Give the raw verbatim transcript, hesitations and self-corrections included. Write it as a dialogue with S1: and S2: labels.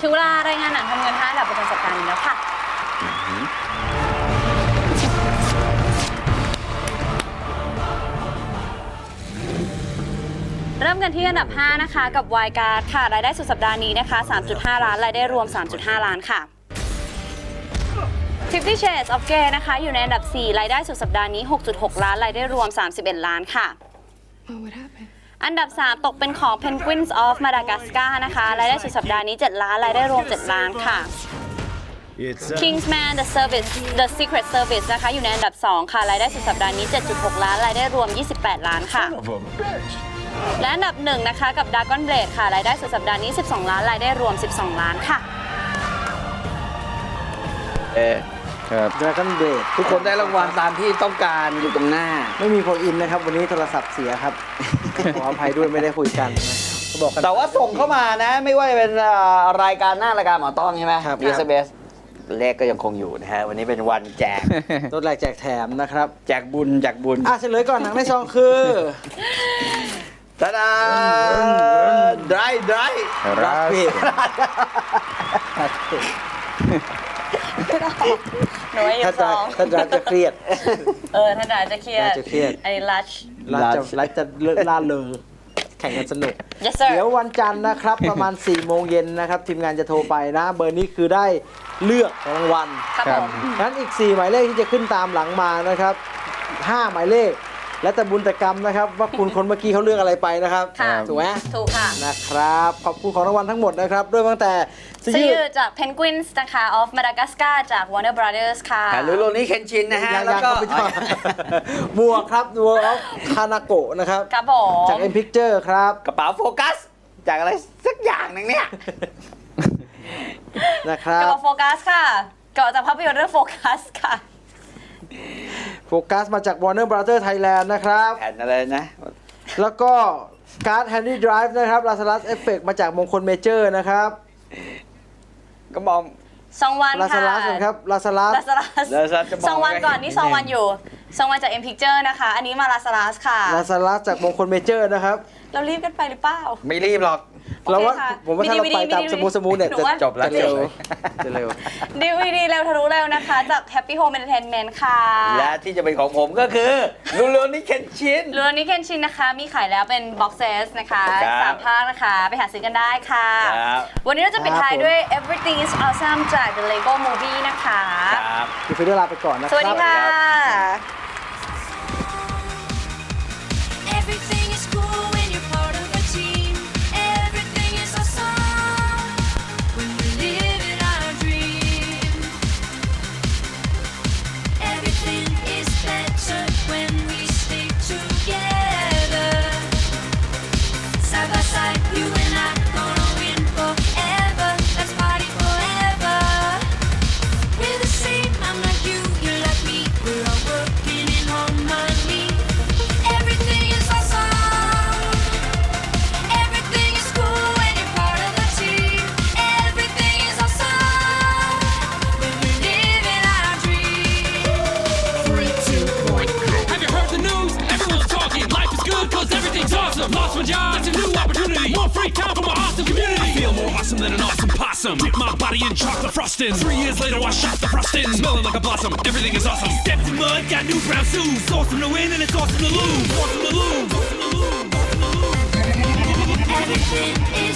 S1: งเวลารายงานหนังทำเงินห้าอันดับประจำสัปดาห์นี้แล้วค่ะเริ่มกันที่อันดับห้านะคะกับ Wild Card ค่ะรายได้สุดสัปดาห์นี้นะคะ สามจุดห้า ล้านรายได้รวม สามจุดห้า ล้านค่ะ Fifty Shades of Grey นะคะอยู่ในอันดับสี่รายได้สุดสัปดาห์นี้ หกจุดหก ล้านรายได้รวม สามสิบเอ็ด ล้านค่ะ อันดับสามตกเป็นของ Penguins of Madagascar นะคะรายได้สุดสัปดาห์นี้ เจ็ด ล้านรายได้รวม เจ็ด ล้านค่ะ Kingsman The Service The Secret Service นะคะอยู่ในอันดับสองค่ะรายได้สุดสัปดาห์นี้ เจ็ดจุดหก ล้านรายได้รวม ยี่สิบแปด ล้านค่ะและอันดับหนึ่งนะคะกับ Dragon Blade ค่ะรายได้สุดสัปดาห์นี้ สิบสอง ล้านรายได้รวม สิบสอง ล้านค่ะ
S2: เออครับ
S3: Dragon Blade
S2: ทุกคนได้รางวัลตามที่ต้องการอยู่ตรงหน้า
S3: ไม่มีโฟนอินนะครับวันนี้โทรศัพท์เสียครับ ขออภัยด้วยไม่ได้คุยกันบอกกัน
S2: แต่ว่าส่งเข้ามานะไม่ว่าจะเป็นรายการหน้ารายการหมอต้องใช่ไหมครับ บี เอส เอส เลขก็ยังคงอยู่นะฮะวันนี้เป็นวันแจก
S3: รถแรกแจกแถมนะครับ
S2: แจกบุญแจกบุญ
S3: อ่ะเฉลยก่อนหนังในซองคือ
S2: ตาดาไดรไดร
S3: รักพี่
S1: หนูอยู่สอง
S3: ท่านรักจะเครียด
S1: เออท่านรักจะเครียด
S3: จะเครียด
S1: ไอ้ลัช
S3: รักจะรักจะล่าเริงแข่งกันสนุก
S1: yes sir
S3: เดี๋ยววันจันทร์นะครับประมาณสี่โมงเย็นนะครับทีมงานจะโทรไปนะเบอร์นี้คือได้เลือกรางวัล
S1: ครับผม
S3: งั้นอีกสี่หมายเลขที่จะขึ้นตามหลังมานะครับห้าหมายเลขและแต่บุญแต่กรรมนะครับว่าคุณคนเมื่อกี้เขาเลือกอะไรไปนะครับถูกไหม
S1: ถูกค่ะ
S3: นะครับขอบคุณของรางวัลทั้งหมดนะครับด้วยตั้งแต่
S1: ซื้อจาก Penguins นะคะ of Madagascar จาก Warner Brothers ค่ะ
S2: หรือโรนี่เคนชินนะฮะแล้วก็
S3: หมวกครับหมวกออฟคานาโกะนะครับ
S1: ครับผม
S3: จาก M Picture ครับ
S2: กระเป๋าโฟกัสจากอะไรสักอย่างหนึ่งเนี่ย
S3: นะครับ
S1: กระเป๋าโฟกัสค่ะเกิดจากภาพยนตร์เรื่องโฟกัสค่ะ
S3: โฟกัสมาจาก Warner Brothers Thailand นะครับ
S2: แผ่นอะไรนะ
S3: แล้วก็การ์ด Handy Drive นะครับ Lazarus Effect มาจากมงคลเมเจอร์นะครับ
S2: ก็มอง
S1: สองวันค่ะ
S3: Lazarus ครับ Lazarus
S1: Lazarus สองวันก่อนนี่สองวันอยู่สองวันจาก M Picture นะคะอันนี้มา Lazarus ค่ะ
S3: Lazarus จากมงคลเมเจอร์นะครับ
S1: เรารีบกันไปหรือเปล่า
S2: ไม่รีบหรอก
S3: เราว่าผมว่าถ้าเราไปตามสมูทสมูทเนี่ยจะ
S2: จบแล้ว
S3: จะเร็วจะเร็ว
S1: ดี วี ดี เร็วทะลุเร็วนะคะจาก Happy Home Entertainment ค่ะ
S2: และที่จะเป็นของผมก็คือลูโรนี่เคนชิน
S1: ลูโรนี่เคนชินนะคะมีขายแล้วเป็น box set นะคะสามภาคนะคะไปหาซื้อกันได้ค่ะวันนี้เราจะปิดท้ายด้วย Everything is Awesome จาก The Lego Movie นะคะ
S3: พี่ฟิลลาไปก่อนนะครับ
S1: สวัสดีค่ะ
S4: Lost my job, that's a new opportunity. More free time for my awesome community. I feel more awesome than an awesome possum. Dip my body in chocolate frosting. Three years later, I shot the frosting. Smelling like a blossom, everything is awesome. Stepped in mud, got new brown shoes. Awesome to win and it's awesome to lose. Awesome to lose. Awesome to lose. Awesome to lose. Everything is